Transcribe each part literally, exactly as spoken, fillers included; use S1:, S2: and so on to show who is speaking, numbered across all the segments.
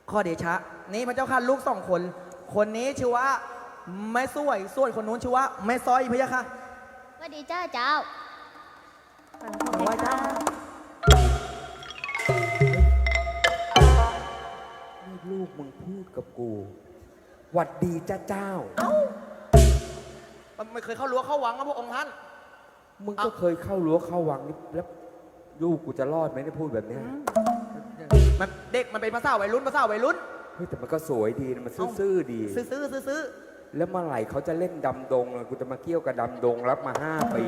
S1: ข้อเดชะนี่พระเจ้าค่ะลูกสองคนคนนี้ชื่อว่าแม่สวยส่วนคนนู้นชื่อว่าแม่ซ้อยพระยะค่ะ
S2: สวัสดีเจ้าเจ้า
S1: ไหว้เจ้า
S3: นี่ลูกมึงพูดกับกูหวัดดีจ้าเจ้า
S1: เอ้ามันไม่เคยเข้ารั้วเข้าวังนะพระองค์ท่าน
S3: มึงก็เคยเข้ารั้วเข้าวังนี่แล้วลูกกูจะรอดไหมได้พูดแบบเนี้ย
S1: มันเด็กมันเป็นภาษาวัยรุ่นภาษาวัยรุ่น
S3: เฮ้ยแต่มันก็สวยดีนะมันซื่อๆดี
S1: ซื่อๆซื่อ
S3: ๆแล้วเมื่อไหร่เขาจะเล่นดำดงเลยกูจะมาเกี่ยวกับดำดงรับมาห้าปี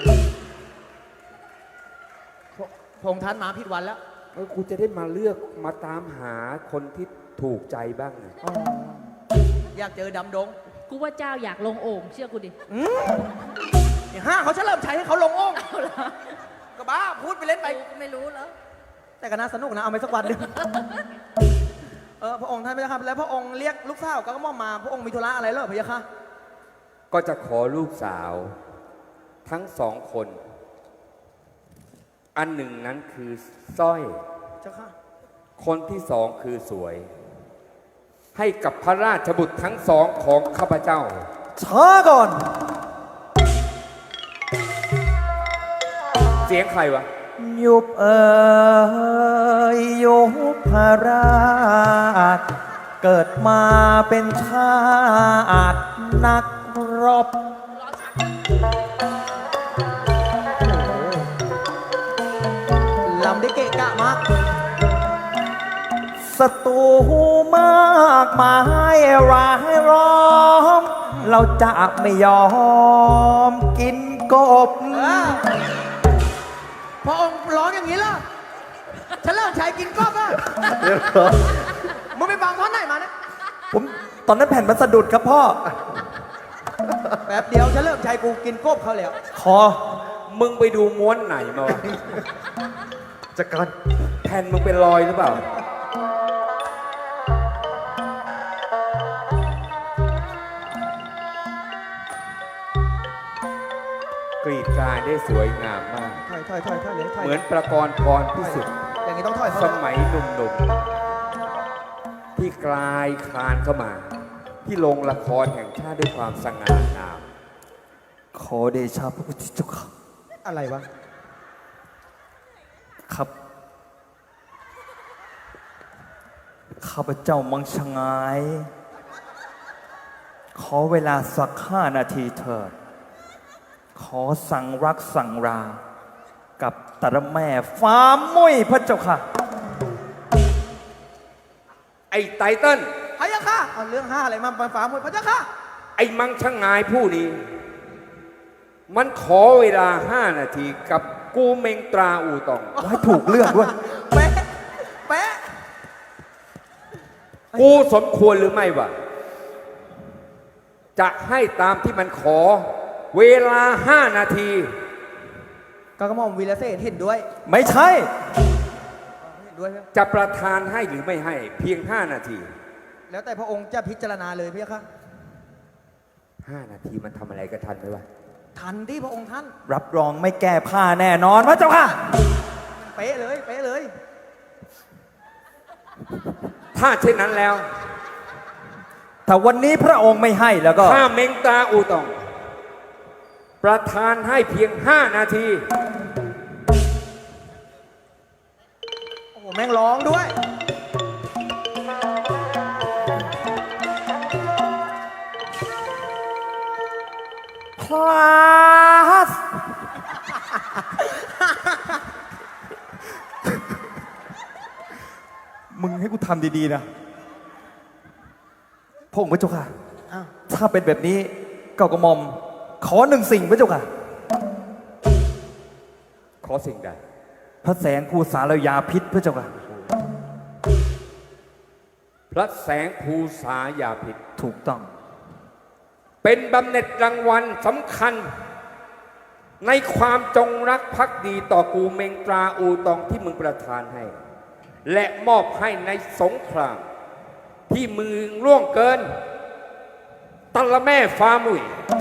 S1: พระองค์ท่านมาผิดวันแล้ว
S3: เออกูจะได้มาเลือกมาตามหาคนที่ถูกใจบ้าง
S1: อยากเจอดำดง
S4: กูว่าเจ้าอยากลงโอ่งเชื่อกูดิ
S1: ห้าเขาเฉลิมชัยให้เขาลงโอ่งก็บ้าพูดไปเล่นไป
S4: ไม่รู้แล้ว
S1: แต่ก็น่าสนุกนะเอาไปสักวันหนึ่งเออพระองค์ท่านพระยาค่ะแล้วพระองค์เรียกลูกสาวก็มอมมาพระองค์มีธุระอะไรเหรอพระยาค่ะ
S3: ก็จะขอลูกสาวทั้งสองคนอันหนึ่งนั้นคือสร้อย
S1: เจ้าค่ะ
S3: คนที่สองคือสวยให้กับพระราชบุตรทั้งสองของข้าพเจ้า
S1: ช้าก่อน
S3: เสียงใครวะ
S1: ยุบเอ่ยยุบพระราชเกิดมาเป็นชาตินักรบลำได้เกะกะมากศัตรูมากมายร้ายร้อมเราจะไม่ยอมกินกบพระองค์ร้องอย่างนี้ล่ะฉันเริ่มใช้กินกบอ่ะมึงไปฟังท่อนไหนมาเนี่ยผมตอนนั้นแผ่นมันสะดุดครับพ่อแป๊บเดียวฉันเริ่มใช้กูกินกบเขาแล้วคอ
S3: มึงไปดูม้วนไหนมาวะ
S1: จักร
S3: แผ่นมึงเป็นรอยหรือเปล่ากรีดกายได้สวยงามมาก
S1: ถอยถอยถอยถอยเลย
S3: เหมือนประกรณ์พรพิสุทธิ์
S1: อย่างนี้ต้องถอย
S3: สมัยหนุ่มๆที่กลายคลานเข้ามาที่โรงละครแห่งชาติด้วยความสง่างาม
S1: ขอเดชะพระพุทธเจ้าค่ะอะไรวะครับข้าพเจ้ามังชงายขอเวลาสักห้านาทีเถิดขอสั่งรักสั่งรากับตระแม่ฟ้ามุ้ยพระเจ้าค่ะ
S3: ไอ้ไตเติ้ล
S1: พระเจ้าค่ะเอาเรื่องห้าอะไรมาฟ้ามุ้ยพระเจ้าค่ะ
S3: ไอ้มังชงายผู้นี้มันขอเวลาห้านาทีกับกูเมงตราอูตอง
S1: ให้ถูกเลือกด้วยแปะแปะ
S3: กูสมควรหรือไม่วะจะให้ตามที่มันขอเวลาห้านาที
S1: ก็กระหม่อมวีรเสนเห็นด้วยไม่ใช่เห็นด้วย
S3: จะประทานให้หรือไม่ให้เพียงห้านาที
S1: แล้วแต่พระองค์จะพิจารณาเลยพี่ค่ะ
S3: ห้านาทีมันทำอะไรกันทันไหมวะ
S1: ทันที่พระองค์ท่านรับรองไม่แก้ผ้าแน่นอนพระเจ้าค่ะเป๊ะเลยเป๊ะเลย
S3: ถ้าเช่นนั้นแล้ว
S1: ถ้าวันนี้พระองค์ไม่ให้แล้วก็
S3: ถ้าเมงตราอูตองประทานให้เพียงห้านาที
S1: โอ้โหแม่งร้องด้วยพลาสมึงให้กูทำดีๆนะพระองค์พระเจ้าค่ะถ้าเป็นแบบนี้เก่ากระหม่อมขอหนึ่งสิ่งพระเจ้าค่ะ
S3: ขอสิ่งใด
S1: พระแสงภูษายาพิษพระเจ้าค่ะ
S3: พระแสงภูษายาพิษ
S1: ถูกต้อง
S3: เป็นบำเหน็จรางวัลสำคัญในความจงรักภักดีต่อกูเมงตราอูตองที่มึงประทานให้และมอบให้ในสงครามที่มึงล่วงเกินตะละแม่ฟ้ามุ้ย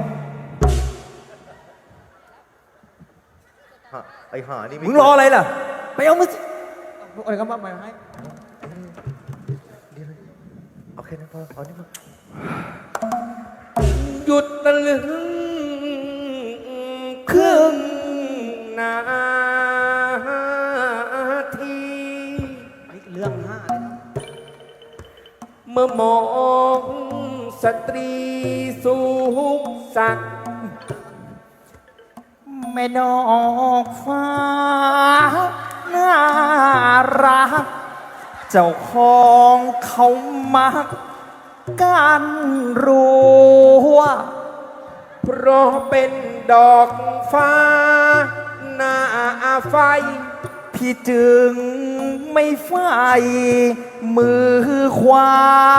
S1: ไอ้ห่านี่มึงรออะไรล่ะไปเอามืออะไรก็มาให้
S5: ค่นั้นพอเอานี่พอ
S3: หยุดตะลึงครึ่งนาที
S1: เรื่องห้าเลยนะ
S3: เมื่อมองสตรีสูงสักดิ์
S5: แม่นอกฟ้าน่ารัก เจ้าของเขามักกันรัว
S3: เพราะเป็นดอกฟ้าหน้าไฟ
S5: พี่จึงไม่ไฟมือขวา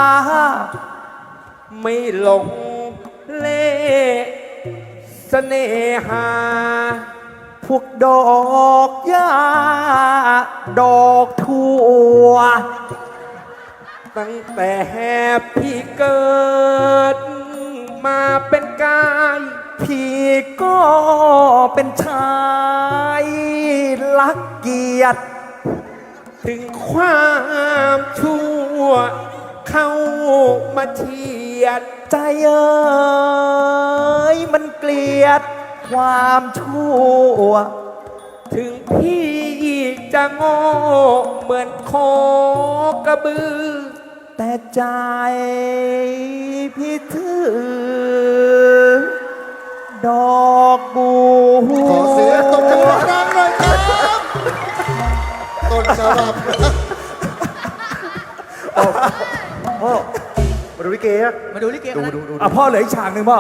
S3: ไม่หลงเล่เสน่หา
S5: พวกดอกหญ้าดอกทั่ว
S3: ตั้งแต่พี่เกิดมาเป็นกาย
S5: พี่ก็เป็นชายรักเกียรติ
S3: ถึงความชั่วเข้ามาเฉียด
S5: ใจเอ้ยมันเกลียดความชั่ว
S3: ถึงพี่จะโง่เหมือนโคกระบือ
S5: แต่ใจพี่ถือ ดอกบัว
S6: ขอเสียงตบจังหวะดังหน่อยครับต้นฉบับ
S5: พ่อมาดูลิเกอะ
S1: มาดูลิเก
S5: ดู
S1: กันนะ
S5: ดูดูอ่ะพ่อเหลืออีกฉากหนึ่งพ่อ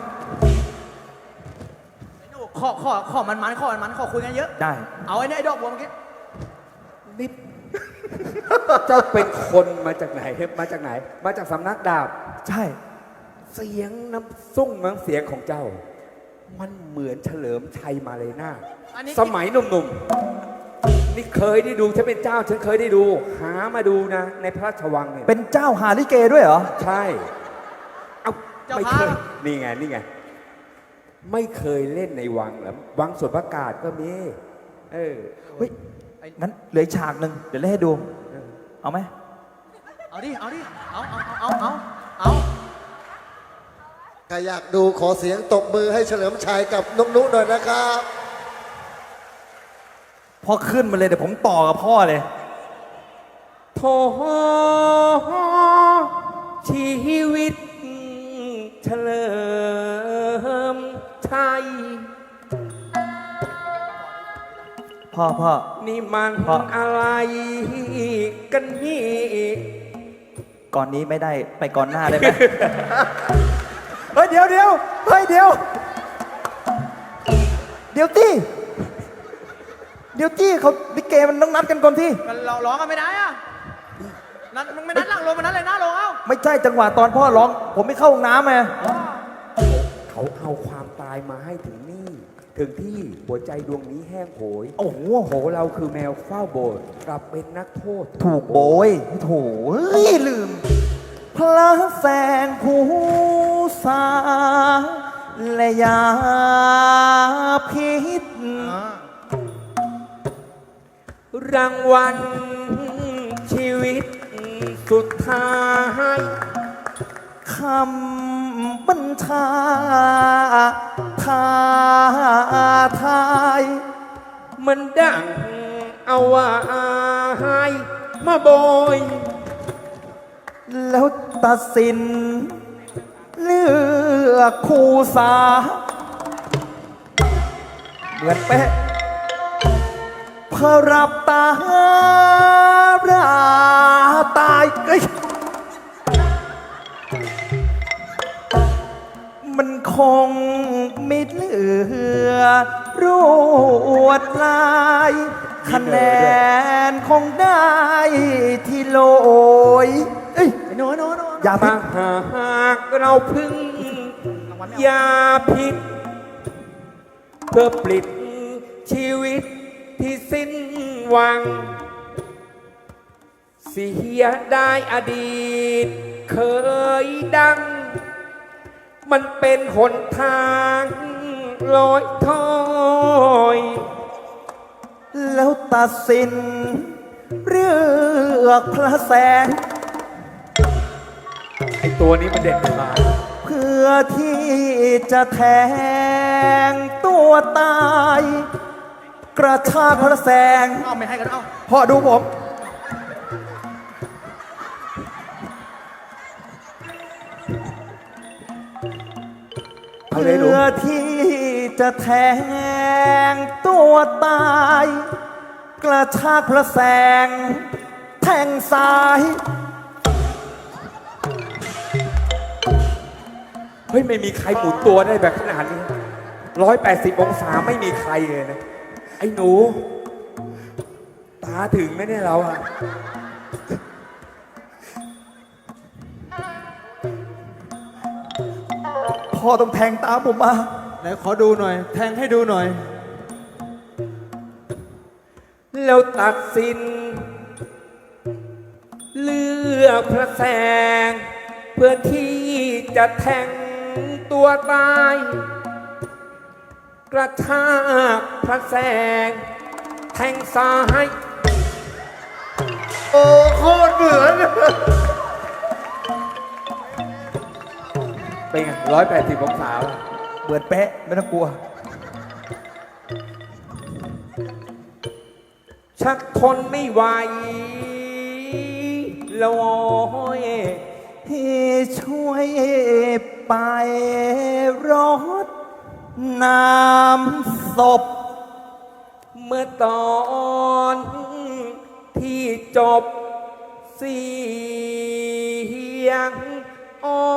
S1: ไอ้หนูขอขอขอมันมันขอมันมันขอคุยกันเยอะ
S5: ได้
S1: เอาไอ้เนี่ยไอ้ดอกบัวเมื่อกี้
S3: นิด เจ้าเป็นคนมาจากไหน มาจากไหน มาจากสำนักดาบ
S5: ใช่
S3: เสียงน้ำซุ้งน้ำเสียงของเจ้า มันเหมือนเฉลิมชัยมาเลยนา
S1: อันนี้
S3: สมัยหนุ่มๆ นี่เคยได้ดูฉันเป็นเจ้า ฉันเคยได้ดู หามาดูนะ ในพระราชวังเนี่ย
S5: เป็นเจ้าหาลิเกด้วยเหรอ
S3: ใช่ เอาไม่เคย นี่ไง นี่ไง ไม่เคยเล่นในวังเหรอวังสวนประกาศก็มี เออ
S5: เฮ้ย งั้นเหลืออีกฉากหนึ่งเดี๋ยวเล่นให้ดู เอาไหม
S1: เอาดิ เอาดิ เอาเอาเอาเอาเอา
S6: ใครอยากดูขอเสียงตบมือให้เฉลิมชัยกับนุกนุหน่อยนะครับ
S5: พ่อขึ้นมาเลยเดี๋ยวผมต่อกับพ่อเลย
S3: โทชีวิตเฉลิมชัย
S5: พ่อพ่อ
S3: นี่มัน
S5: พ่อ
S3: อะไรกันนี่
S5: ก่อนนี้ไม่ได้ไปก่อนหน้าได้ไหม เฮ้ยเดี๋ยวเดี๋ยวเฮ้ยเดี๋ยว เดี๋ยวตี้เดี๋ยวตี้เขาลิเกมันต้องนัดกันก่อนที่
S1: กันเราร้องกันไม่ได้อะนัดมึงไม่นัดหลังลงมานัดเลยหน้าลงเอ้า
S5: ไม่ใช่จังหวะตอนพ่อร้อง ผมไม่เข้าห้องน้ำไง
S3: เขาเอาความตายมาให้ถึงนี่ ถึงที่หัวใจดวงนี้แห้งโหย
S5: โอ้โห
S3: โหเราคือแมวเฝ้าโบสถ์กลับเป็นนักโทษ
S5: ถูกโบยโถเฮ้ยลืม พระแสงผู้สาและยาพิษ
S3: รางวัลชีวิตสุดท้าย
S5: คำบัญชาท้าทาย
S3: มันดังเอาไว้มาโบย
S5: แล้วตัดสิน เลือกคู่สา เหมือนเป๊ะพอรับตาราตายเอ้ยมันคงไม่เหลือรวดลายคะแนนคงได้ที่โลยเอ้ย
S1: ไอ้หนูไอ้หนูไอ้หนู
S5: อย่าพิ
S3: มา
S5: ด
S3: หากเราพึ่ง
S1: รางวัลไม่
S3: ยา
S1: เอา
S3: พิษเพื่อปลิดชีวิตที่สิ้นหวัง เสียได้อดีต เคยดัง มันเป็นหนทางลอยถอย
S5: แล้วตัดสิน เลือกพระแสง
S3: ตัวนี้มันเด็ดมา
S5: เพื่อที่จะแทงตัวตาย กระชากพระแสง
S1: เอาไม่ให้กันเอา
S5: พ่อดูผม
S3: เอาเลยหนู
S5: เพื่อที่จะแทงตัวตาย กระชากพระแสง แทงซ้าย
S3: เฮ้ย ไม่มีใครหมุนตัวได้แบบขนาดนี้ร้อยแปดสิบองศาไม่มีใครเลยนะ ไอ้หนู ตาถึงไหมเนี่ยเราอะ
S5: พ่อต้องแทงตามผมมา
S1: ไหนขอดูหน่อย แทงให้ดูหน่อย
S3: แล้วตัดสิน เลือกพระแสง เพื่อที่จะแทงตัวตาย กระชากพระแสง แทงซ้าย
S6: โอ้โคตรเหมือน
S3: เป็นไงร้อยแปดสิบองศา
S5: เปิดแปะไม่ต้องกลัว
S3: ชักทนไม่ไหวแล้วโอ้ย
S5: ที่ช่วยไปรดน้ำศพ
S3: เมื่อตอนที่จบเสียงอ้อ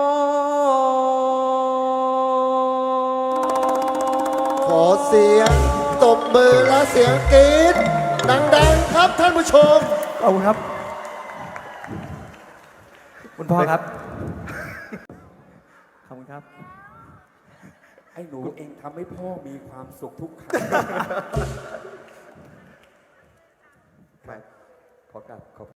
S6: ขอเสียงตบมือและเสียงกรี๊ดดังๆครับท่านผู้ชม
S5: ขอบคุณครับ คุณพ่อครับ ขอบคุณครับ
S3: ไอ้หนูเองทำให้พ่อมีความสุขทุกครั้ง ไปขอกลับขอบ